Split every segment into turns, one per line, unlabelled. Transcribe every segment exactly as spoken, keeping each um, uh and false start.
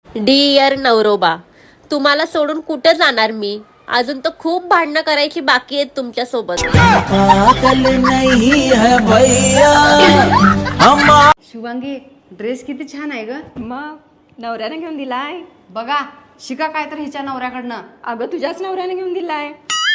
Dear नवरोबा, तुम्हाला सोडून कुठे जाणार मी? अजून तर खूप भांडणं करायची बाकी आहेत तुमच्या सोबत.
शुभांगी, ड्रेस किती छान आहे ग.
मग नवऱ्याने घेऊन दिलाय.
बघा, शिका काय तर हिच्या नवऱ्याकडनं.
अगं तुझ्याच नवऱ्याने घेऊन दिलाय.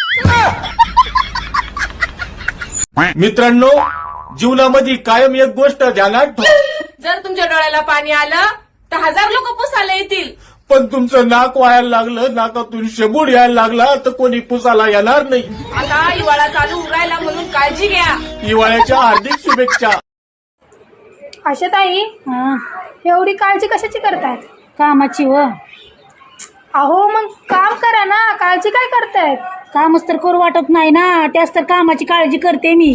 मित्रांनो, जीवनामध्ये कायम एक गोष्ट ध्यानात ठेवा.
जर तुमच्या डोळ्याला पाणी आलं तर हजार लोक पुसायला येतील,
पण तुमचं नाक वायाला लागलं, नाकातून शेबूड यायला लागला तर कोणी पुसायला येणार नाही.
आता हिवाळा चालू उरायला म्हणून काळजी घ्या.
हिवाळ्याच्या हार्दिक शुभेच्छा.
आशाताई, एवढी काळजी कशाची करतायत?
कामाची व
अहो मग काम करा ना, काळजी काय करतायत?
कामच तर करू वाटत नाही ना, त्याच तर कामाची काळजी करते मी.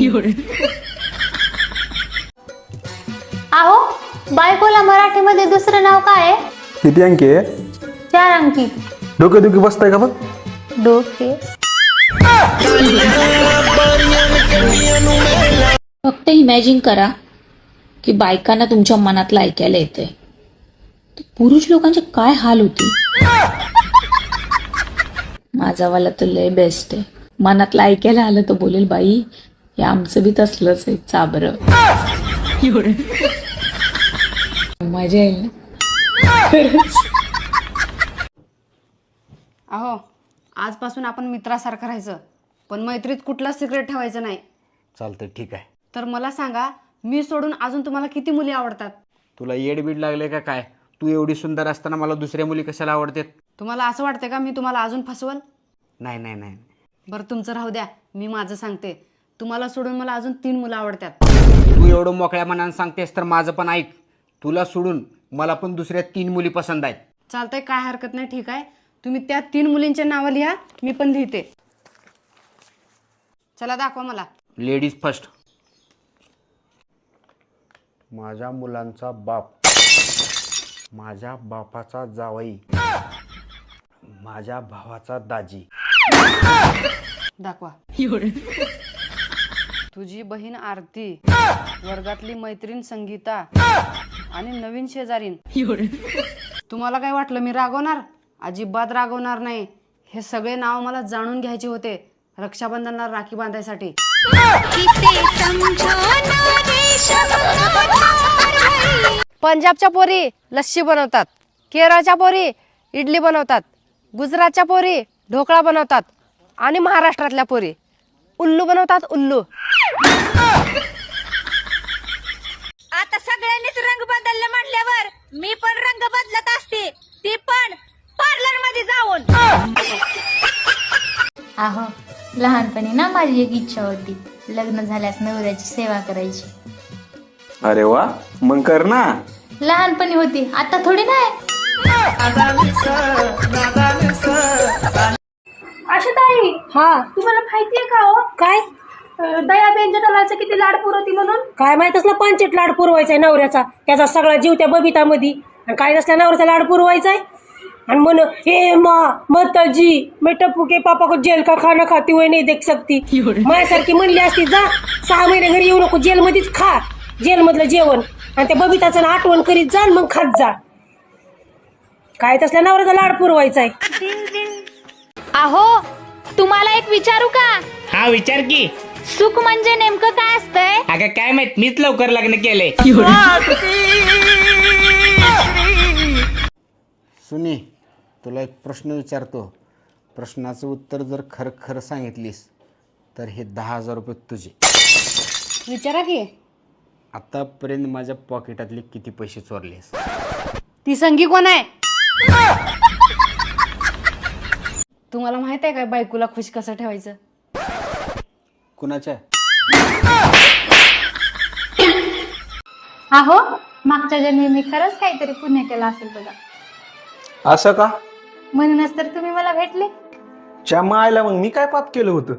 अहो, बायकोला मराठीमध्ये दुसरं नाव काय आहे?
किती अंकी आहे?
चार अंकी.
डोके दुखी बसताय का बघ?
डोके.
फक्त इमॅजिन करा की बायकांना तुमच्या मनातलं ऐकायला येतंय, तर पुरुष लोकांचे काय हाल होतील. माझावाला तर लय बेस्ट आहे. मनातलं ऐकायला आलं तर बोलेल, बाई हे आमचं बी तसलंच आहे, चाबर. मजा येईल ना.
अहो, आजपासून आपण मित्रासारखं राहायचं, पण मैत्रीत कुठलाच सिक्रेट ठेवायचं नाही.
चालतंय, ठीक आहे.
तर मला सांगा, मी सोडून अजून तुम्हाला किती मुली आवडतात?
तुला येडबीड लागले का काय? तू एवढी सुंदर असताना मला दुसऱ्या मुली कशाला आवडतात?
तुम्हाला असं वाटतं का मी तुम्हाला अजून फसवल?
नाही नाही नाही.
बरं, तुमचं राहू द्या, मी माझं सांगते. तुम्हाला सोडून मला अजून तीन मुलं आवडतात.
तू एवढं मोकळ्या मनानं सांगतेस तर माझं पण ऐक. तुला सोडून मला पण दुसऱ्या तीन मुली पसंत आहेत.
चालतंय, काय हरकत नाही, ठीक आहे. तुम्ही त्या तीन मुलींच्या नावं लिहा, मी पण लिहिते. चला दाखवा मला.
Ladies first. माझ्या मुलांचा बाप, माझ्या बापाचा जावई, माझ्या भावाचा दाजी.
दाखवा. तुझी बहीण आरती, वर्गातली मैत्रीण संगीता आणि नवीन शेजारीन. तुम्हाला काय वाटलं मी रागवणार? अजिबात रागवणार नाही. हे सगळे नाव मला जाणून घ्यायचे होते रक्षाबंधनला राखी बांधायसाठी. पंजाबच्या पोरी लस्सी बनवतात, केरळच्या पोरी इडली बनवतात, गुजरातच्या पोरी ढोकळा बनवतात आणि महाराष्ट्रातल्या पोरी उल्लू बनवतात, उल्लू.
आता सगळ्यांनीच रंग बदलले म्हटल्यावर मी पण रंग बदलत असते, ती पण पार्लर मध्ये जाऊन.
अहो, लहानपणी ना माझी एक इच्छा होती, लग्न झाल्यास नवऱ्याची सेवा करायची.
अरे वा, मग कर ना.
लहानपणी होती, आता थोडी नाही.
आशाताई,
हा,
तुम्हाला माहितीये का हो
काय
दयाबेन जटालाचं किती लाड पुरवती म्हणून?
काय माहित असलं पंचेट लाड पुरवायचाय नवऱ्याचा, त्याचा सगळा जीव त्या बबितामध्ये. आणि काय नसल्या नवऱ्याचा लाड पुरवायचाय. आणि म्हण, हे माँ माताजी मैं टप्पू के पापा को जेल का खाना खाती हुई नहीं देख सकती. माझ्यासारखी म्हणली असती, जा सहा महिने घरी येऊ नको, जेलमध्येच खा जेल मधलं जेवण, आणि त्या बबिताचं आठवण करीत जा, मग खात जा. काय तसल्या नवऱ्याचा लाड पुरवायचाय.
अहो, तुम्हाला एक विचारू का?
हा, विचार की.
सुख म्हणजे नेमकं काय असतंय?
अगं काय माहित, मीच लवकर लग्न केलंय.
सुनी, तुला एक प्रश्न विचारतो. प्रश्नाचं उत्तर जर खरं खरं सांगितलीस तर हे दहा हजार रुपये तुझे.
विचारा की.
आतापर्यंत माझ्या पॉकेटातले किती पैसे चोरलेस?
ती संगी कोण आहे? तुम्हाला माहित आहे काय बायकोला खुश कसं ठेवायचं?
कुणाच्या?
अहो, मागच्या जन्मी मी खरंच काहीतरी पुण्य केलं असेल बघा,
असं का?
म्हणूनच तर तुम्ही मला भेटले.
च्या मायला, मग मी काय पाप केलं होतं?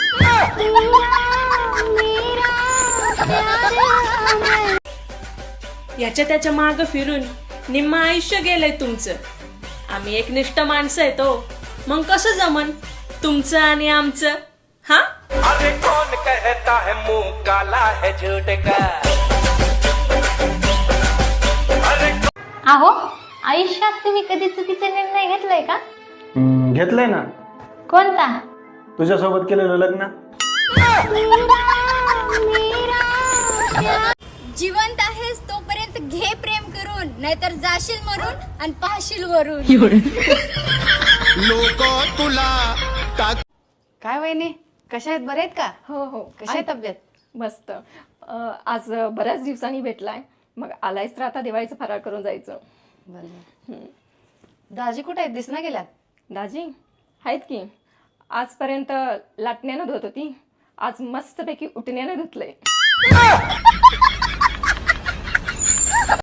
याच्या त्याच्या माग फिरून निम्म आयुष्य गेलंय तुमचं. आम्ही एकनिष्ठ माणसं आहे तो, मग कसं जमन तुमचं आणि आमचं? हा, अरे कोण कहता है मुंह काला है झूठ का.
अहो, आयुष्यात तुम्ही कधी चुकीचा निर्णय घेतलाय का?
हम्म, घेतलंय ना.
कोणता?
तुझ्यासोबत केलेलं लग्न.
जिवंत आहेस तोपर्यंत घे प्रेम करून, नाहीतर जाशील मरून आणि पाहशील वरून.
लोक तुला
काय वहिनी, कशा आहेत, बरे आहेत का?
हो हो.
कशी आहे तब्येत?
मस्त. अं, आज बऱ्याच दिवसांनी भेटलाय, मग आलायच तर आता दिवाळीचं फराळ करून जायचं.
बरं. दाजी कुठे आहेत, दिसना गेल्यात?
दाजी आहेत की. आजपर्यंत लाटण्यानं धुत होती, आज मस्तपैकी उठण्यानं धुतलंय.